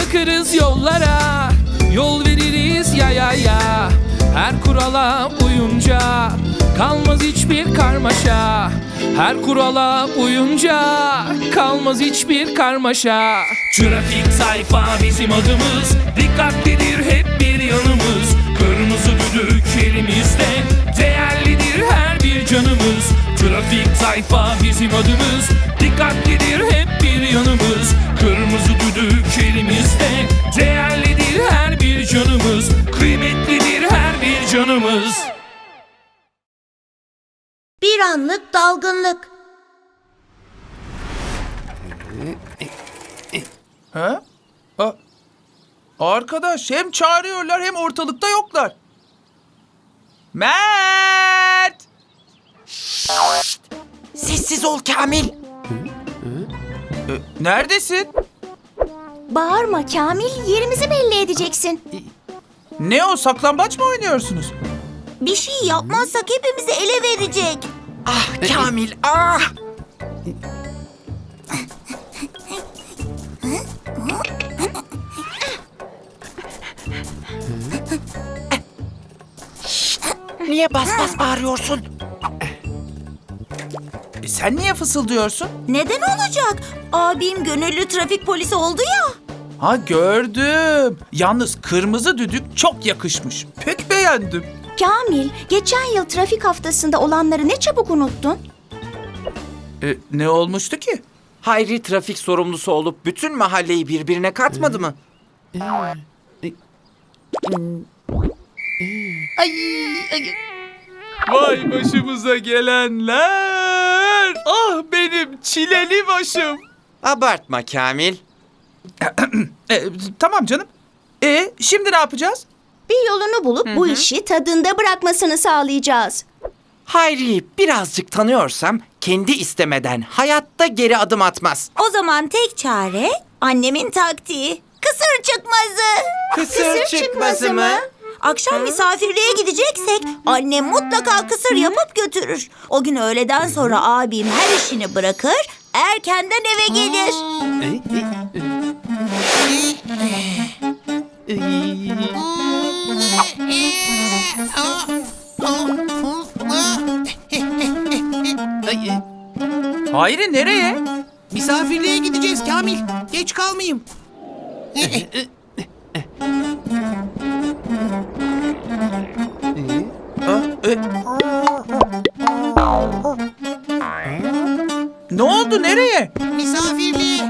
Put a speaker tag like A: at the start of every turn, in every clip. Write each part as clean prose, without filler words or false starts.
A: bakarız yollara, yol veririz ya. Her kurala uyunca kalmaz hiçbir karmaşa. Her kurala uyunca kalmaz hiçbir karmaşa. Trafik sayfa bizim adımız, dikkatlidir hep bir yanımız. Kırmızı düdük elimizde, değerlidir her bir canımız. Trafik sayfa bizim adımız, dikkatlidir hep bir yanımız. Kırmızı düdük elimizde, değerlidir her bir canımız. Kıymetlidir her bir canımız.
B: Bir anlık dalgınlık.
C: Ha? Arkadaş, hem çağırıyorlar hem ortalıkta yoklar. Mert!
D: Sessiz ol Kamil.
C: Neredesin?
B: Bağırma Kamil, yerimizi belli edeceksin.
C: Ne o, saklambaç mı oynuyorsunuz?
B: Bir şey yapmazsak hepimizi ele verecek.
D: Ah Kamil, ah! Niye bas bas bağırıyorsun?
C: Sen niye fısıldıyorsun?
B: Neden olacak? Abim gönüllü trafik polisi oldu ya.
C: Ha, gördüm. Yalnız kırmızı düdük çok yakışmış. Pek beğendim.
B: Kamil, geçen yıl trafik haftasında olanları ne çabuk unuttun?
C: Ne olmuştu ki?
D: Hayri trafik sorumlusu olup bütün mahalleyi birbirine katmadı mı?
C: Vay başımıza gelenler. Ah benim çileli başım.
D: Abartma Kamil.
C: Tamam canım. Şimdi ne yapacağız?
B: Bir yolunu bulup bu işi tadında bırakmasını sağlayacağız.
D: Hayri'yi birazcık tanıyorsam kendi istemeden hayatta geri adım atmaz.
B: O zaman tek çare annemin taktiği. Kısır çıkmazı.
D: Kısır çıkmazı mı?
B: Akşam misafirliğe gideceksek annem mutlaka kısır yapıp götürür. O gün öğleden sonra abim her işini bırakır, erkenden eve gelir.
C: Hayri, nereye?
E: Misafirliğe gideceğiz Kamil. Geç kalmayayım.
C: Ne oldu, nereye?
E: Misafirliğe.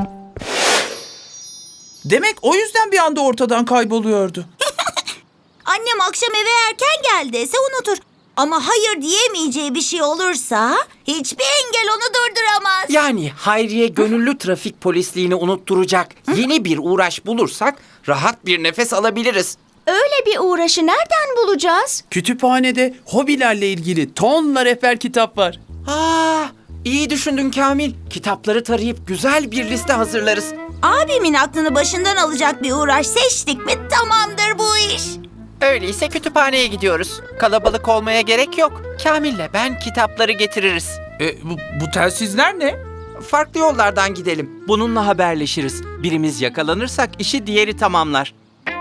C: Demek o yüzden bir anda ortadan kayboluyordu.
B: Annem akşam eve erken gel dese unutur. Ama hayır diyemeyeceği bir şey olursa hiçbir engel onu durduramaz.
D: Yani Hayri'ye gönüllü trafik polisliğini unutturacak yeni bir uğraş bulursak rahat bir nefes alabiliriz.
B: Öyle bir uğraşı nereden bulacağız?
F: Kütüphanede hobilerle ilgili tonla rehber kitap var.
D: İyi düşündün Kamil. Kitapları tarayıp güzel bir liste hazırlarız.
B: Abimin aklını başından alacak bir uğraş seçtik mi tamamdır bu iş.
D: Öyleyse kütüphaneye gidiyoruz. Kalabalık olmaya gerek yok. Kamil'le ben kitapları getiririz.
C: Bu telsizler ne?
D: Farklı yollardan gidelim. Bununla haberleşiriz. Birimiz yakalanırsak işi diğeri tamamlar.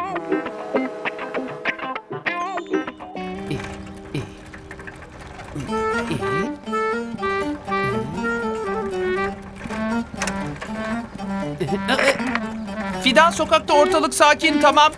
C: Fidan sokakta, ortalık sakin, tamam.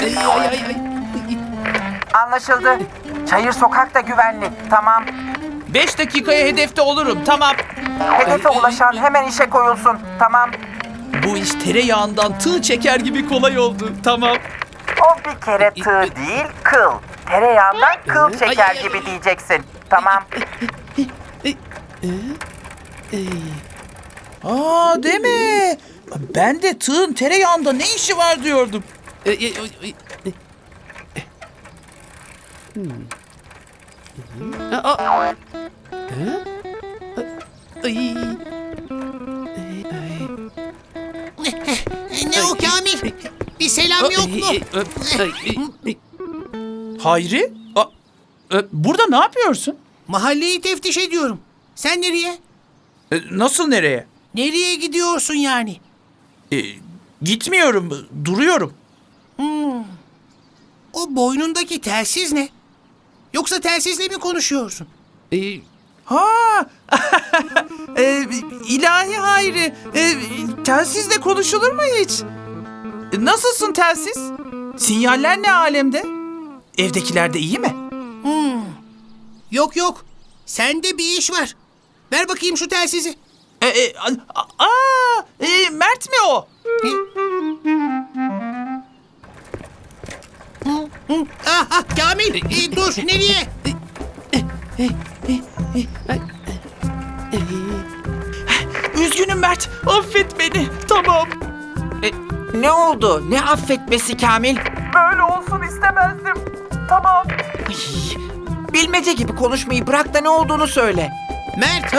D: Anlaşıldı. Çayır sokak da güvenli. Tamam.
C: 5 dakikaya hedefte olurum, tamam.
D: Hedefe ulaşan hemen işe koyulsun. Tamam.
C: Bu iş tereyağından tığ çeker gibi kolay oldu, tamam.
D: O bir kere tığ değil, kıl. Tereyağından kıl çeker gibi diyeceksin. Tamam.
C: Deme. Ben de tığın tereyağında ne işi var diyordum.
E: Ne o Kamil? Bir selam yok mu?
C: Hayri? Burada ne yapıyorsun?
E: Mahalleyi teftiş ediyorum. Sen nereye?
C: Nasıl nereye?
E: Nereye gidiyorsun yani?
C: Gitmiyorum, duruyorum.
E: O boynundaki telsiz ne? Yoksa telsizle mi konuşuyorsun?
C: Ha, ilahi Hayri, telsizle konuşulur mu hiç? Nasılsın telsiz? Sinyaller ne alemde? Evdekiler de iyi mi?
E: Yok yok. Sende bir iş var. Ver bakayım şu telsizi.
C: Mert mi o?
E: Ah Kamil dur nereye?
C: Üzgünüm Mert, affet beni. Tamam.
D: Ne oldu? Ne affetmesi Kamil?
C: Böyle olsun istemezdim. Tamam.
D: Ay, bilmece gibi konuşmayı bırak da ne olduğunu söyle.
E: Mert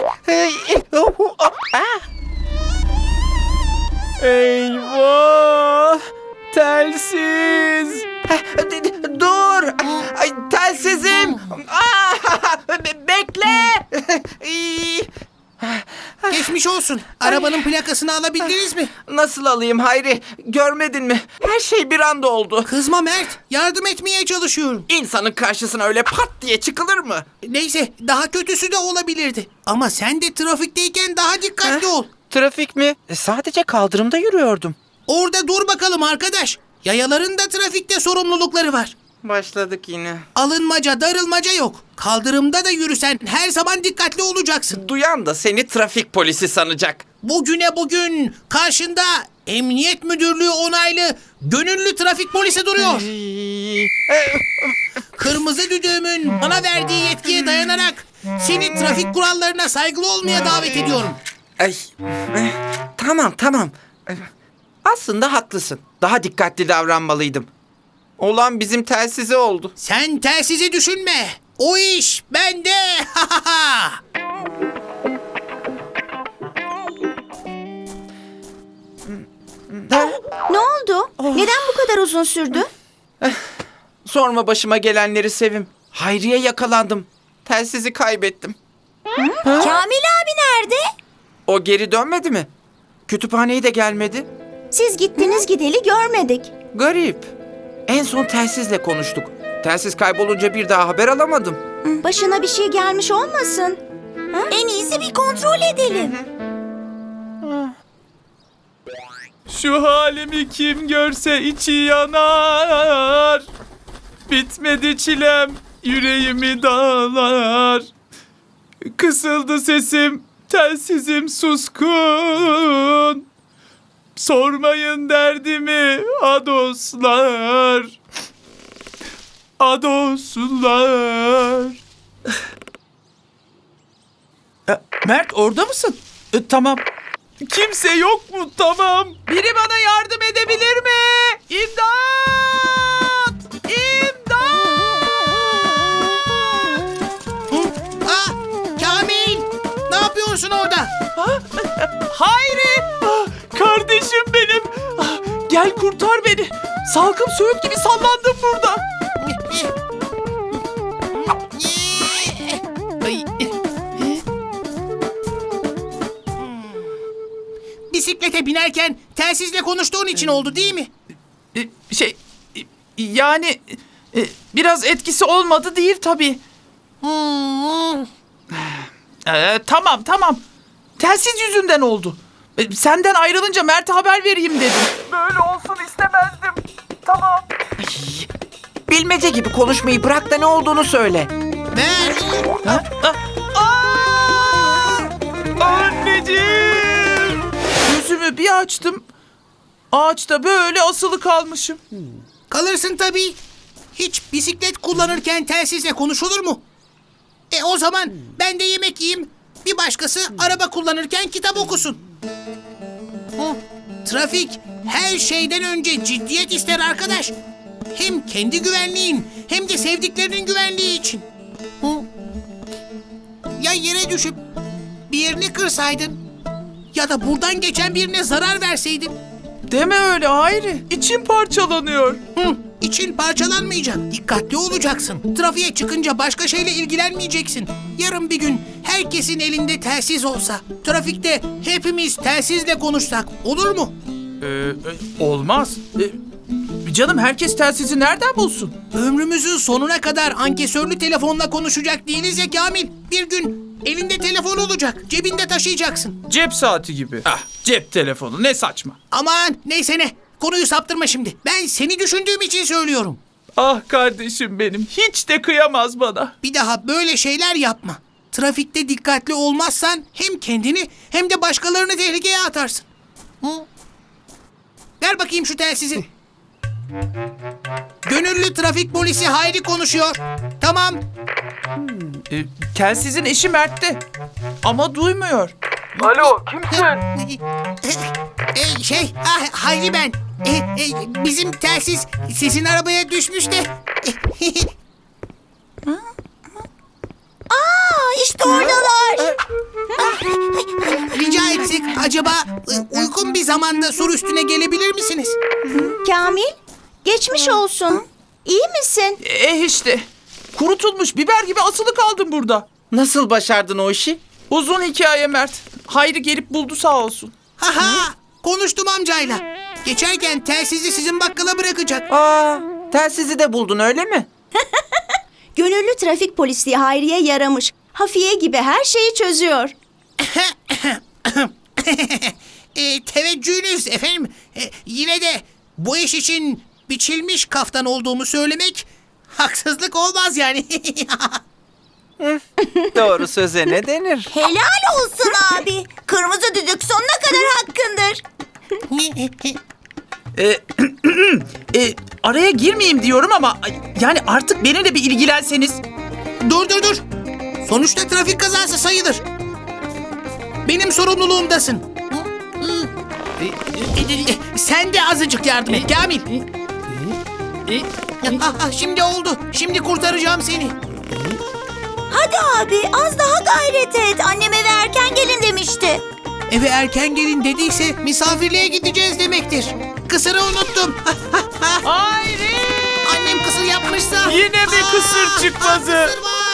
C: Eyvah! Telsiz!
D: Dur! Ay, telsizim! Bekle!
E: geçmiş olsun. Arabanın plakasını alabildiniz mi?
D: Nasıl alayım Hayri? Görmedin mi? Her şey bir anda oldu.
E: Kızma Mert. Yardım etmeye çalışıyorum.
D: İnsanın karşısına öyle pat diye çıkılır mı?
E: Neyse daha kötüsü de olabilirdi. Ama sen de trafikteyken daha dikkatli ol.
D: Trafik mi? Sadece kaldırımda yürüyordum.
E: Orada dur bakalım arkadaş. Yayaların da trafikte sorumlulukları var.
D: Başladık yine.
E: Alınmaca, darılmaca yok. Kaldırımda da yürüsen her zaman dikkatli olacaksın.
D: Duyan da seni trafik polisi sanacak.
E: Bugüne bugün karşında Emniyet Müdürlüğü onaylı gönüllü trafik polisi duruyor. Kırmızı düdüğümün bana verdiği yetkiye dayanarak seni trafik kurallarına saygılı olmaya davet ediyorum.
D: Ay, tamam. Aslında haklısın. Daha dikkatli davranmalıydım. Olan bizim telsize oldu.
E: Sen telsizi düşünme. O iş bende.
B: Ne oldu? Neden bu kadar uzun sürdü?
D: Sorma başıma gelenleri Sevim. Hayriye yakalandım. Telsizi kaybettim.
B: Kamil abi nerede?
D: O geri dönmedi mi? Kütüphaneye de gelmedi.
B: Siz gittiniz gideli görmedik.
D: Garip. En son telsizle konuştuk. Telsiz kaybolunca bir daha haber alamadım.
B: Başına bir şey gelmiş olmasın? En iyisi bir kontrol edelim.
A: Şu halimi kim görse içi yanar. Bitmedi çilem, yüreğimi dağlar. Kısıldı sesim, telsizim suskun. Sormayın derdimi adoslar. Adoslar.
C: Mert orada mısın? Tamam.
A: Kimse yok mu? Tamam.
C: Biri bana yardım edebilir mi? İmdat!
E: Ah, Kamil! Ne yapıyorsun orada?
C: Hayri!
A: Kardeşim benim. Gel kurtar beni. Salkım söğüt gibi sallandım burada.
E: Bisiklete binerken telsizle konuştuğun için oldu değil mi?
C: Yani biraz etkisi olmadı değil tabii. Tamam. Telsiz yüzünden oldu. Senden ayrılınca Mert'e haber vereyim dedim. Böyle olsun istemezdim. Tamam.
D: Bilmece gibi konuşmayı bırak da ne olduğunu söyle.
E: Mert!
C: Anneciğim! Gözümü bir açtım. Ağaçta böyle asılı kalmışım.
E: Kalırsın tabii. Hiç bisiklet kullanırken telsizle konuşulur mu? O zaman ben de yemek yiyeyim. Bir başkası araba kullanırken kitap okusun. Trafik her şeyden önce ciddiyet ister arkadaş. Hem kendi güvenliğin hem de sevdiklerinin güvenliği için. Ya yere düşüp bir yerini kırsaydın ya da buradan geçen birine zarar verseydin.
C: Deme öyle Hayri. İçim parçalanıyor.
E: İçin parçalanmayacak. Dikkatli olacaksın. Trafiğe çıkınca başka şeyle ilgilenmeyeceksin. Yarın bir gün herkesin elinde telsiz olsa, trafikte hepimiz telsizle konuşsak olur mu?
C: Olmaz. Canım herkes telsizi nereden bulsun?
E: Ömrümüzün sonuna kadar ankesörlü telefonla konuşacak değiliz ya Kamil. Bir gün elinde telefon olacak, cebinde taşıyacaksın.
C: Cep saati gibi. Ah, cep telefonu ne saçma.
E: Aman neyse ne, konuyu saptırma şimdi. Ben seni düşündüğüm için söylüyorum.
C: Ah kardeşim benim, hiç de kıyamaz bana.
E: Bir daha böyle şeyler yapma. Trafikte dikkatli olmazsan hem kendini hem de başkalarını tehlikeye atarsın. Hı? Ver bakayım şu telsizi. Gönüllü trafik polisi Hayri konuşuyor. Tamam.
C: Telsizin eşi Mert'te. Ama duymuyor.
E: Hayri ben. Bizim telsiz sesin arabaya düşmüş de.
B: İşte oradalar.
E: Rica etsek acaba uygun bir zamanda sur üstüne gelebilir misiniz?
B: Kamil, geçmiş olsun. İyi misin?
C: İşte. Kurutulmuş biber gibi asılı kaldım burada.
D: Nasıl başardın o işi?
C: Uzun hikaye Mert. Hayri gelip buldu sağ olsun.
E: Haha, konuştum amcayla. Geçerken telsizi sizin bakkala bırakacak.
D: Aa, telsizi de buldun öyle mi?
G: Gönüllü trafik polisliği Hayri'ye yaramış. Hafiye gibi her şeyi çözüyor.
E: Teveccühünüz efendim. Yine de bu iş için biçilmiş kaftan olduğumu söylemek haksızlık olmaz yani.
D: Doğru söze ne denir?
B: Helal olsun abi. Kırmızı düdük sonuna kadar hakkındır.
C: Araya girmeyeyim diyorum ama yani artık beni de bir ilgilenseniz.
E: Dur. Sonuçta trafik kazası sayılır. Benim sorumluluğumdasın. Sen de azıcık yardım et Kamil. Şimdi oldu. Şimdi kurtaracağım seni.
B: Hadi abi az daha gayret et. Annem eve erken gelin demişti.
E: Eve erken gelin dediyse misafirliğe gideceğiz demektir. Kısırı unuttum.
C: Hayri!
E: Annem kısır yapmışsa.
C: Yine mi kısır çıkmazı?
E: Kısır var.